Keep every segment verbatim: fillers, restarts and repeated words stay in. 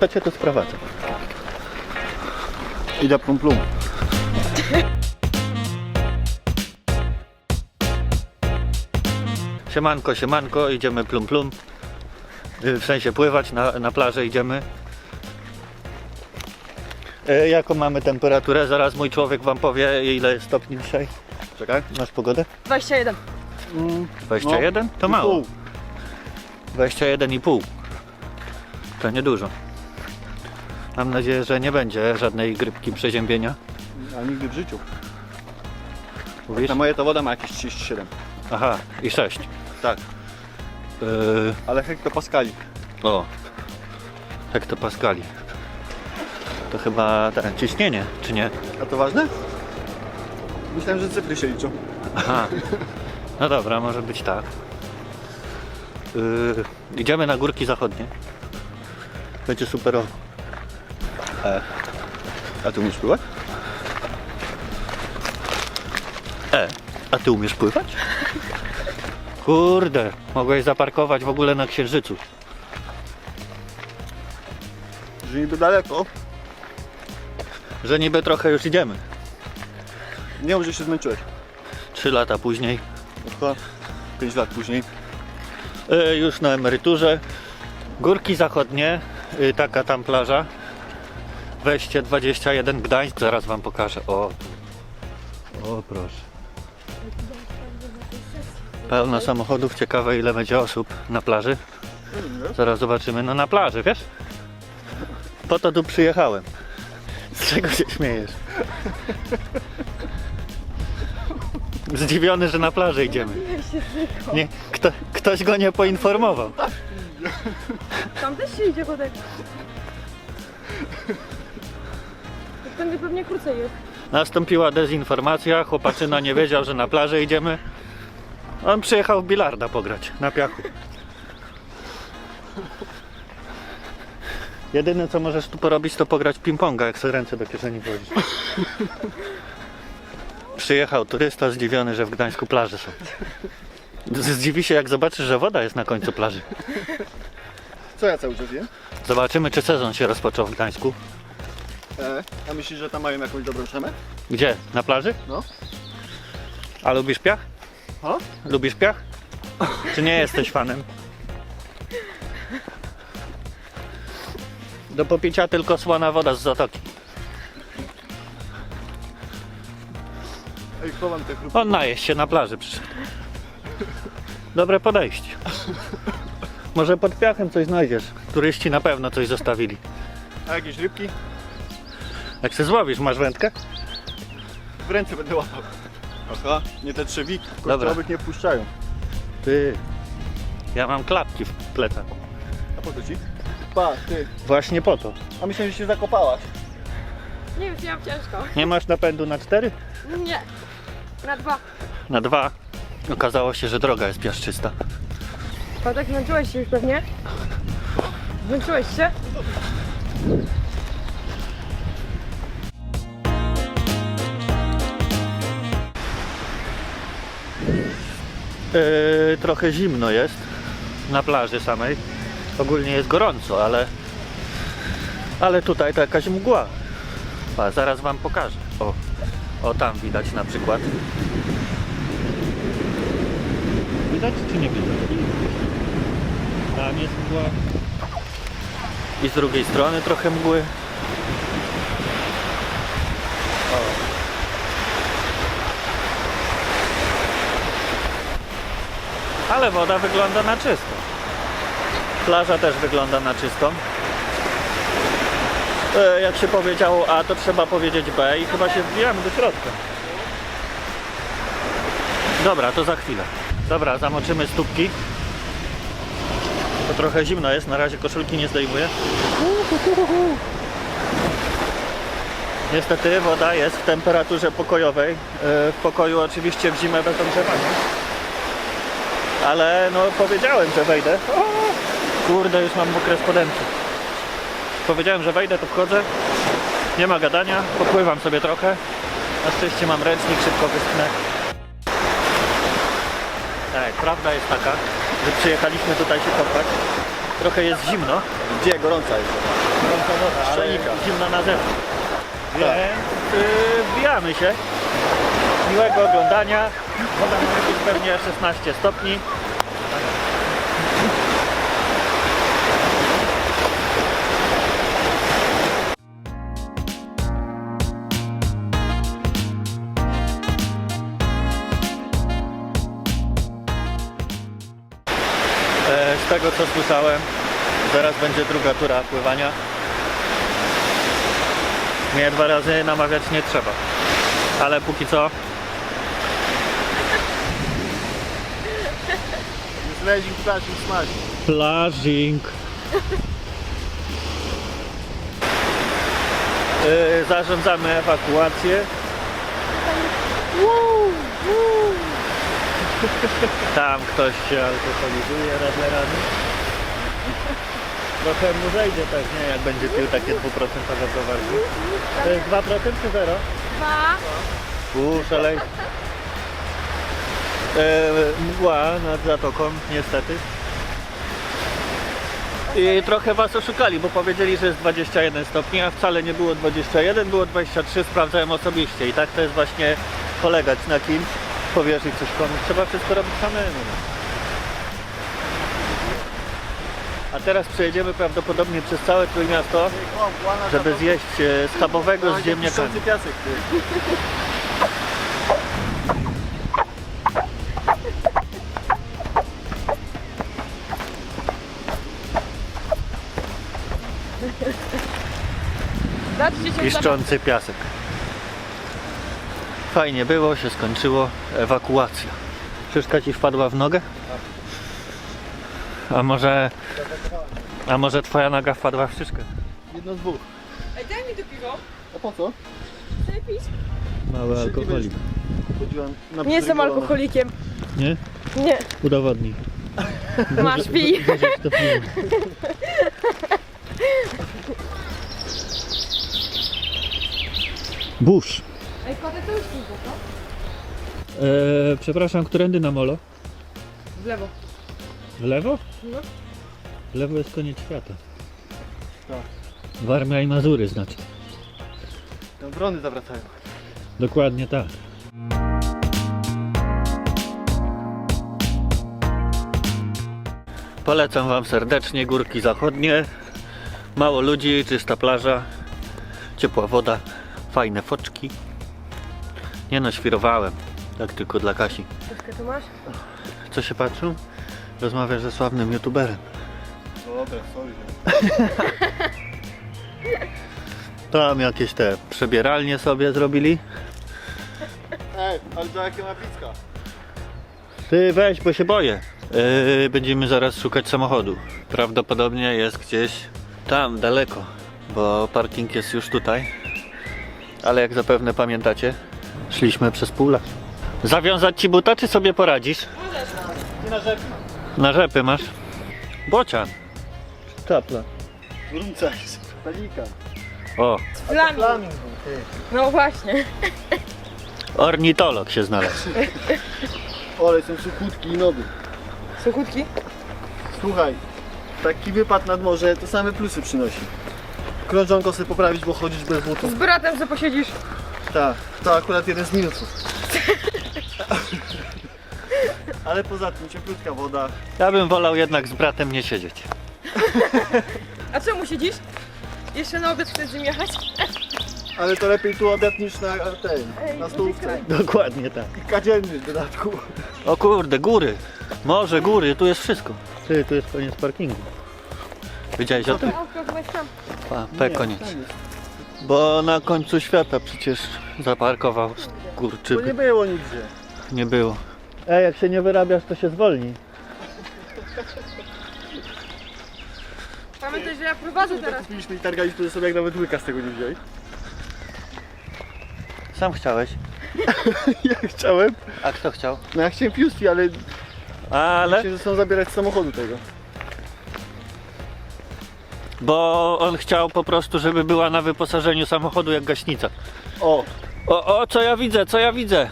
to cię tu sprowadzę. Idę plum plum. Siemanko, siemanko, idziemy plum plum. W sensie pływać, na, na plażę idziemy. E, jaką mamy temperaturę? Zaraz mój człowiek wam powie, ile jest stopni dzisiaj. Czekaj. Masz pogodę? dwadzieścia jeden. Mm, dwadzieścia jeden? To i mało. pół. dwadzieścia jeden i pół. To niedużo. Mam nadzieję, że nie będzie żadnej grypki przeziębienia. A nigdy w życiu. Mówisz? Na moje to woda ma jakieś trzydzieści siedem. Aha, i sześć. Tak. Yy, Ale hektopaskali. o. Hektopaskali. To chyba tak, ciśnienie, czy nie? A to ważne? Myślałem, że cyfry się liczą. Aha. No dobra, może być tak. Yy, idziemy na górki zachodnie. Będzie superowo. E. A ty umiesz pływać? E, a ty umiesz pływać? Kurde, mogłeś zaparkować w ogóle na Księżycu. Że niby daleko. Że niby trochę już idziemy. Nie mów, że się zmęczyłeś. Trzy lata później. Chyba pięć lat później. Yy, już na emeryturze. Górki zachodnie, yy, taka tam plaża. Wejście dwadzieścia jeden Gdańsk, zaraz wam pokażę. O, tu. O proszę. Pełno samochodów, ciekawe ile będzie osób na plaży. Zaraz zobaczymy, no na plaży, wiesz? Po to tu przyjechałem. Z czego się śmiejesz? Zdziwiony, że na plażę idziemy. Nie, kto, ktoś go nie poinformował. Tam też się idzie kotek. Ten pewnie krócej jest. Nastąpiła dezinformacja, chłopaczyna nie wiedział, że na plażę idziemy. On przyjechał w bilarda pograć, na piachu. Jedyne co możesz tu porobić, to pograć ping-ponga, jak sobie ręce do kieszeni włożysz. Przyjechał turysta zdziwiony, że w Gdańsku plaże są. Zdziwi się, jak zobaczysz, że woda jest na końcu plaży. Co ja cały czas jem? Zobaczymy, czy sezon się rozpoczął w Gdańsku. E. A myślisz, że tam mają jakąś dobrą szemę? Gdzie? Na plaży? No. A lubisz piach? O? Lubisz piach? Czy nie jesteś fanem? Do popicia tylko słona woda z zatoki. Ej, chowam te chrupki. On najeść się na plaży przyszedł. Dobre podejście. Może pod piachem coś znajdziesz. Turyści na pewno coś zostawili. A jakieś rybki? Jak się złowisz, masz wędkę? W ręce będę łapał. Aha, nie te trzewiki. Dobra. Kościołowych nie wpuszczają. Ty. Ja mam klapki w plecaku. A po co ci? Pa, ty. Właśnie po to. A myślałem, że się zakopałaś. Nie wiem, ja mam ciężko. Nie masz napędu na cztery? Nie. Na dwa. Na dwa. Okazało się, że droga jest piaszczysta. Kotek, zmęczyłeś się już pewnie? Zmęczyłeś się? Yy, trochę zimno jest na plaży samej. Ogólnie jest gorąco, ale ale tutaj to jakaś mgła. A, zaraz wam pokażę. O, o tam widać na przykład. Widać czy nie widać? Tam jest mgła. I z drugiej strony trochę mgły. Ale woda wygląda na czysto. Plaża też wygląda na czystą. E, jak się powiedziało A, to trzeba powiedzieć B i chyba się wbijamy do środka. Dobra, to za chwilę. Dobra, zamoczymy stópki. To trochę zimno jest, na razie koszulki nie zdejmuję. Niestety woda jest w temperaturze pokojowej. E, w pokoju oczywiście w zimę bez ogrzewania. Ale no powiedziałem, że wejdę. O, kurde, już mam mokre spodenki. Powiedziałem, że wejdę, to wchodzę. Nie ma gadania, popływam sobie trochę. Na szczęście mam ręcznik, szybko wyschnę. Tak, prawda jest taka, że przyjechaliśmy tutaj się kąpać. Trochę jest zimno. Gdzie gorąca jest? gorąca woda, ale Szczelnika. zimna na zewnątrz. Więc yy, wbijamy się. Miłego oglądania. Woda ma jakieś pewnie szesnaście stopni. E, Z tego co słyszałem, zaraz będzie druga tura pływania. Mnie dwa razy namawiać nie trzeba. Ale póki co Zlezing, flashing, smashing. Flashing. Yy, zarządzamy ewakuację. Tam ktoś się alkoholizuje radlerami. Trochę mu zejdzie pewnie, jak będzie pił takie dwuprocentowe browary. To jest dwa procent czy zero? Dwa. Uuu, szalej. E, mgła nad zatoką, niestety. I trochę was oszukali, bo powiedzieli, że jest dwadzieścia jeden stopni, a wcale nie było dwadzieścia jeden, było dwadzieścia trzy, sprawdzałem osobiście. I tak to jest właśnie polegać na kimś, powierzyć coś komuś. Trzeba wszystko robić samemu. A teraz przejedziemy prawdopodobnie przez całe Trójmiasto, żeby zjeść e, schabowego z ziemniakami. Piasek, ty. Zobaczcie się Piszczący piasek. Fajnie było, się skończyło. Ewakuacja. Szyszka ci wpadła w nogę? A może... A może twoja noga wpadła w szyszkę? Jedno z dwóch. Ej, daj mi to piwo. A po co? Chcę pić. Mały alkoholik. Chodziłem na Nie jestem przyrygulone. alkoholikiem. Nie? Nie. Udowodnij. Masz, pij. To piwo. Burz. Ej, kotek to już piwo, co? Eee, przepraszam, którędy na molo? W lewo. W lewo? No. W lewo jest koniec świata. Tak. Warmia i Mazury znaczy. Tam wrony zawracają. Dokładnie tak. Polecam wam serdecznie górki zachodnie. Mało ludzi, czysta plaża, ciepła woda, fajne foczki. Nie no, świrowałem. Tak tylko dla Kasi. Troszkę tu masz? Co się patrzą? Rozmawiasz ze sławnym youtuberem. Dobra, sorry. Tam jakieś te przebieralnie sobie zrobili. Ej, ale to jakie ma pizka? Ty weź, bo się boję. Yy, będziemy zaraz szukać samochodu. Prawdopodobnie jest gdzieś tam, daleko, bo parking jest już tutaj. Ale jak zapewne pamiętacie, szliśmy przez pół lat. Zawiązać ci buta, czy sobie poradzisz? Nie na rzepy. Na rzepy masz? Bocian. Czapla. Grunca jest. Pelikan. O, Flamin. Flamin był, ty. No właśnie. ornitolog się znalazł. Ole, są suchutki i nowy. Suchutki? Słuchaj, taki wypad nad morze to same plusy przynosi. Krążonko sobie poprawić, bo chodzisz bez butów. Z bratem co posiedzisz? Tak, to akurat jeden z minusów. Ale poza tym cieplutka woda. Ja bym wolał jednak z bratem nie siedzieć. A czemu siedzisz? Jeszcze na obiad chcesz z nim jechać? Ale to lepiej tu obiad niż na tej, Ej, na stołówce. Dokładnie tak. I kadzienny w dodatku. O kurde, góry. Morze, góry, tu jest wszystko. Ty, tu jest koniec parkingu. Wiedziałeś o tym? Autko chyba jest tam. Pa, P koniec. tam jest. Bo na końcu świata przecież zaparkował Bo nie skurczyby. było nigdzie. Nie było. Ej, jak się nie wyrabiasz, to się zwolni. Pamiętaj, że ja prowadzę Tak teraz. kupiliśmy i targaliśmy sobie, jak nawet łyka z tego nie wzięli. Sam chciałeś. Ja chciałem. A kto chciał? No ja chciałem Piusti, ale Ale? się chcą zabierać z samochodu tego. Bo on chciał po prostu, żeby była na wyposażeniu samochodu jak gaśnica. O, O, o, co ja widzę, co ja widzę?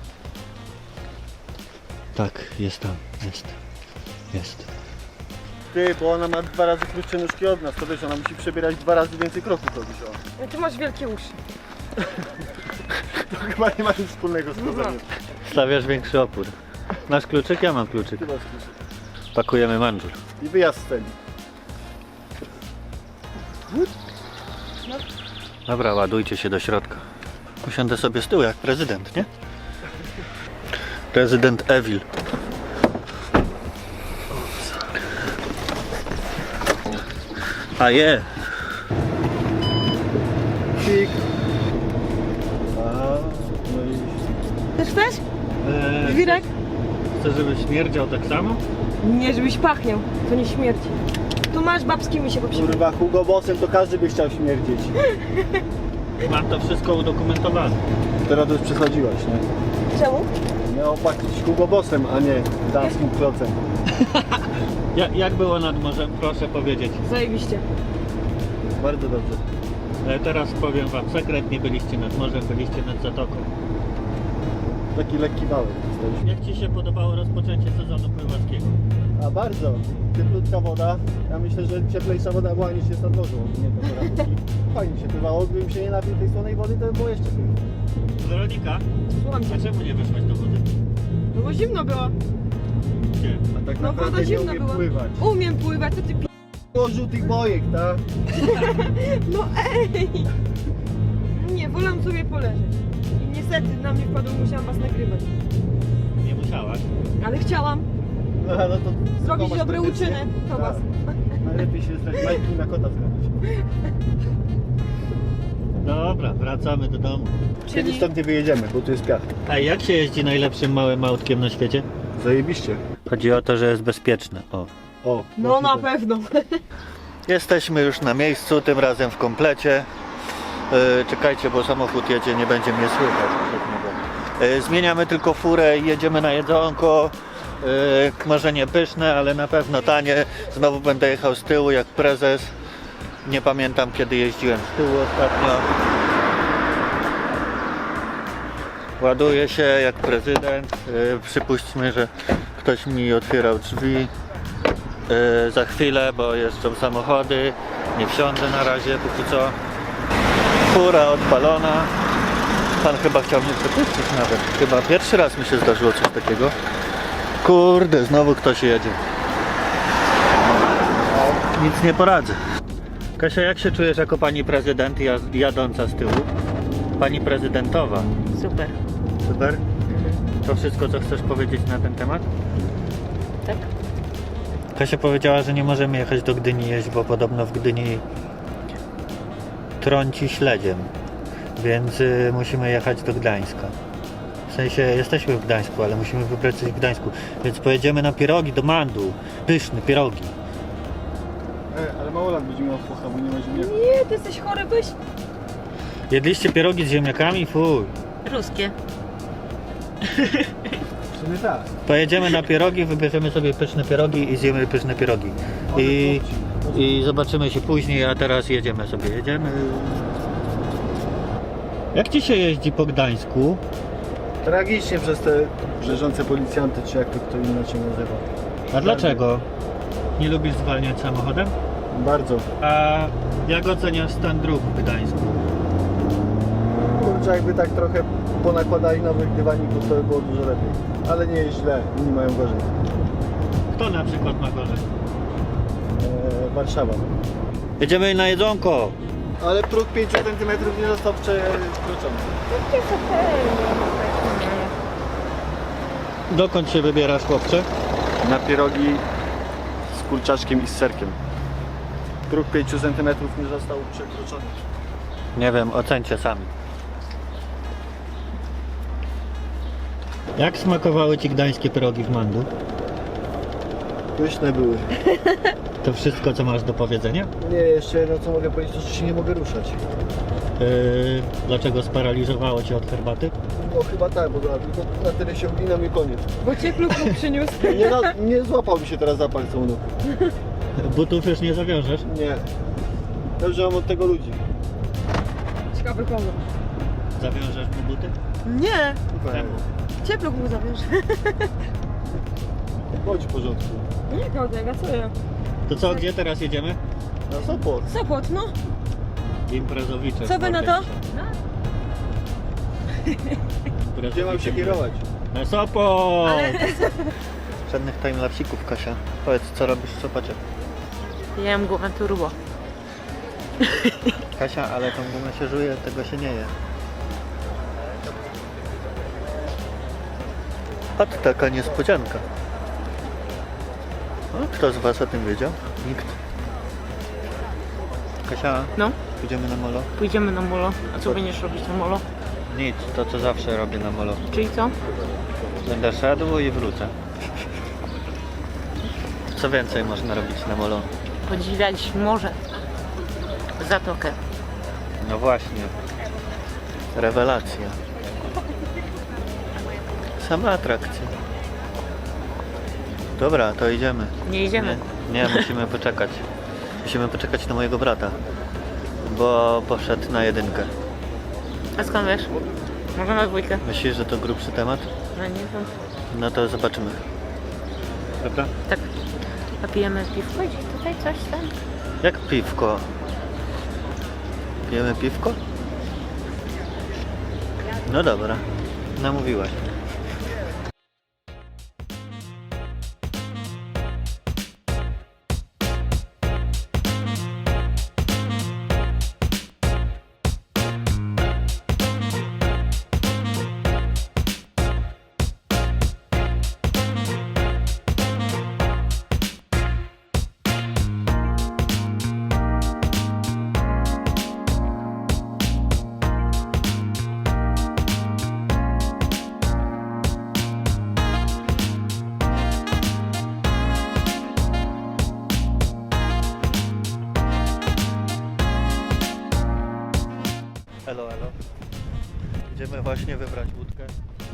Tak, jest tam, jest. Jest. Ty, bo ona ma dwa razy krótsze nóżki od nas, to wiesz, ona musi przebierać dwa razy więcej kroków robić, o. No ty masz wielkie uszy. To chyba nie ma nic wspólnego z chodzeniem. Stawiasz większy opór. Masz kluczyk? Ja mam kluczyk. Ty masz kluczyk. Pakujemy mandżur. I wyjazd z celi. Dobra, ładujcie się do środka. Usiądę sobie z tyłu jak prezydent, nie? Prezydent Evil. A je! Pik. Aha, no i... Też chcesz? Eee, Wirek? chcesz, żeby śmierdział tak samo? Nie, żebyś pachniał. To nie śmierci. Tu masz babski mi się poprzy... Kurwa, Hugo Bossem to każdy by chciał śmierdzieć. Mam to wszystko udokumentowane. Teraz to już przesadziłaś, nie? Czemu? Miało płacić Hugo Bossem, a nie damskim klocem. Ja, jak było nad morzem? Proszę powiedzieć. Zajebiście. Bardzo dobrze. E, teraz powiem wam sekret, nie byliście nad morzem, byliście nad zatoką. Taki lekki wałek dostaliśmy. Jak ci się podobało rozpoczęcie sezonu pływackiego? A bardzo. Cieplutka woda. Ja myślę, że cieplejsza woda była niż jest nad morzem. Nie to poradziki. Fajnie się pływało. Gdybym się nie napił tej słonej wody, to by było jeszcze lepiej. Weronika, Słucham cię. a czemu nie weszłaś do wody? No bo zimno było. Gdzie? A tak No naprawdę woda nie zimna umiem była. pływać. Umiem pływać, co ty pi... Było żółtych bojek, tak? No ej! Nie, wolę sobie poleżeć. I niestety na mnie wpadło, musiałam was nagrywać. Nie musiałaś. Ale chciałam No, no to zrobić komuś dobre tradycję. uczyny do was. Tak. Najlepiej się stać majki na kota zgadać. Dobra, wracamy do domu. Kiedyś stąd nie wyjedziemy, bo tu jest piach. A jak się jeździ najlepszym małym autkiem na świecie? Zajebiście. Chodzi o to, że jest bezpieczne. O. O, No właśnie na tak. pewno. Jesteśmy już na miejscu, tym razem w komplecie. Yy, czekajcie, bo samochód jedzie, nie będzie mnie słychać przez niego. Yy, zmieniamy tylko furę i jedziemy na jedzonko. Yy, może nie pyszne, ale na pewno tanie. Znowu będę jechał z tyłu jak prezes. Nie pamiętam, kiedy jeździłem z tyłu ostatnio. Ładuję się jak prezydent. Yy, przypuśćmy, że ktoś mi otwierał drzwi. Yy, za chwilę, bo jeżdżą samochody. Nie wsiądę na razie, póki co. Fura odpalona. Pan chyba chciał mnie przepuścić nawet. Chyba pierwszy raz mi się zdarzyło coś takiego. Kurde, znowu ktoś jedzie. Nic nie poradzę. Kasia, jak się czujesz jako pani prezydent jaz- jadąca z tyłu? Pani prezydentowa. Super. Super. To wszystko, co chcesz powiedzieć na ten temat? Tak? Kasia powiedziała, że nie możemy jechać do Gdyni jeść, bo podobno w Gdyni trąci śledziem, więc y, musimy jechać do Gdańska. W sensie jesteśmy w Gdańsku, ale musimy wybrać coś w Gdańsku, więc pojedziemy na pierogi do Mandu. Pyszne pierogi. E, ale mało lat będzie miał focha, bo nie ma ziemniaka. Nie, ty jesteś chory, byś? Jedliście pierogi z ziemniakami? Fuj. Ruskie. W sumie tak. Pojedziemy na pierogi, wybierzemy sobie pyszne pierogi i zjemy pyszne pierogi. I, i zobaczymy się później, a teraz jedziemy sobie. Jedziemy. Jak ci się jeździ po Gdańsku? Tragicznie przez te brzeżące policjanty, czy jak to kto inaczej nazywa. A dlaczego? Nie lubisz zwalniać samochodem? Bardzo. A jak oceniasz stan dróg w Gdańsku? Kurczę, jakby tak trochę ponakładali nowych dywaników, to by było dużo lepiej. Ale nie jest źle, inni mają gorzej. Kto na przykład ma gorzej? Eee, Warszawa. Jedziemy na jedzonko! Ale próg pięć centymetrów nie został przekroczony. To jest okej. Dokąd się wybierasz, chłopcze? Na pierogi z kurczaczkiem i z serkiem. Próg pięć centymetrów nie został przekroczony. Nie wiem, ocencie sami. Jak smakowały ci gdańskie pierogi w Mandu? Pyszne były. To wszystko, co masz do powiedzenia? Nie, jeszcze jedno co mogę powiedzieć, to że się nie mogę ruszać. Yy, dlaczego sparaliżowało cię od herbaty? No chyba tak, bo na, tylko na tyle się uginam i koniec. Bo cię klub mu przyniósł. Nie, na, nie złapał mi się teraz za palce u nóg. Butów już nie zawiążesz? Nie. Dobrze mam od tego ludzi. Ciekawy komu. Zawiążesz mu buty? Nie. Czemu? Ciepluk mu zawiąże. Bądź w porządku. Nie, Kołdek, a co ja? To co, gdzie teraz jedziemy? Na Sopot. Sopot, no. Imprezowicze. Co wy na to? Gdzie mam się kierować? Na Sopot! Ale... Żadnych timelapsików, Kasia. Powiedz, co robisz w Sopocie? Jem gumę turbo. Kasia, ale tą gumę się żuje, tego się nie je. A to taka niespodzianka. O, kto z was o tym wiedział? Nikt. Kasia, No, pójdziemy na molo? pójdziemy na molo. A co będziesz robić na molo? Nic, to co zawsze robię na molo. Czyli co? Będę szedł i wrócę. Co więcej można robić na molo? Podziwiać morze. Zatokę. No właśnie. Rewelacja. Sama atrakcja. Dobra, to idziemy. Nie idziemy. Nie, nie, musimy poczekać. Musimy poczekać na mojego brata. Bo poszedł na jedynkę. A skąd wiesz? Może na dwójkę? Myślisz, że to grubszy temat? No nie wiem. No to zobaczymy. Dobra? Tak. A pijemy piwko gdzieś tutaj? Coś tam? Jak piwko? Pijemy piwko? No dobra, namówiłaś. Elo, elo. Idziemy właśnie wybrać łódkę,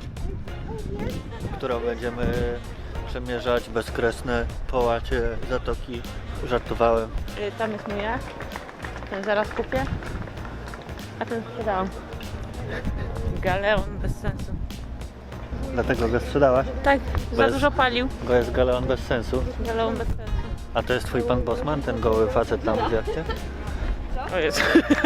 którą będziemy przemierzać bezkresne połacie zatoki. Żartowałem. Y, Tam jest moja. Ten zaraz kupię. A ten sprzedałam. Galeon bez sensu. Dlatego go sprzedałaś? Tak, za Bez- dużo palił. Bo jest galeon bez sensu. Galeon bez sensu. A to jest twój pan Bosman, ten goły facet tam w jachcie? O jest.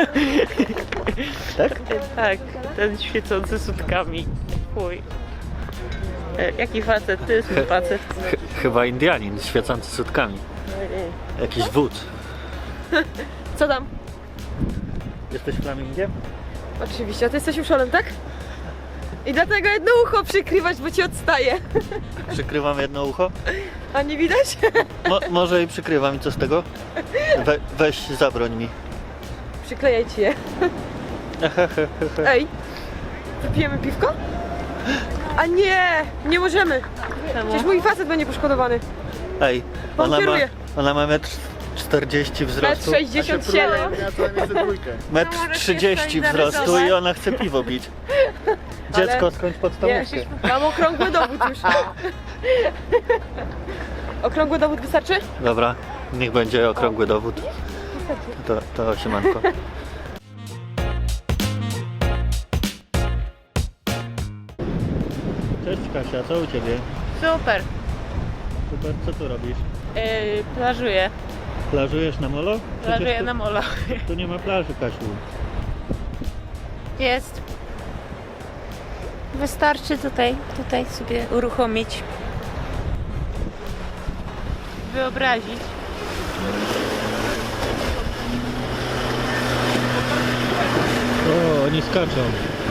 Tak? Tak, ten świecący sutkami. Chuj. E, Jaki facet? Ty jest mój facet. Ch- chyba Indianin świecący sutkami. Jakiś wódz. Co tam? Jesteś flamingiem? Oczywiście, a ty jesteś uszolem, tak? I dlatego jedno ucho przykrywać, bo ci odstaje. Przykrywam jedno ucho? A nie widać? Mo- może i przykrywam i co z tego? We- weź zabroń mi. Przyklejaj ci je. Ej, wypijemy piwko? A nie, nie możemy. Przecież mój facet będzie poszkodowany. Ej, On ona ma, kieruje. ona ma metr czterdzieści Metr wzrostu. sześćdziesiąt siedem. Ja co najmniej ze dwójkę. Metr No, możesz trzydzieści jeszcze wzrostu i narysować. ona chce piwo pić. Dziecko, skończ Nie, podstawówkę. mam okrągły dowód już. Okrągły dowód wystarczy? Dobra, niech będzie okrągły dowód. To, to siemanko. Cześć Kasia, co u Ciebie? Super. Super, co tu robisz? Yy, plażuję. Plażujesz na molo? Przecież Plażuję tu, na molo. tu nie ma plaży, Kasiu. Jest. Wystarczy tutaj, tutaj sobie uruchomić. Wyobrazić. O, oni skaczą.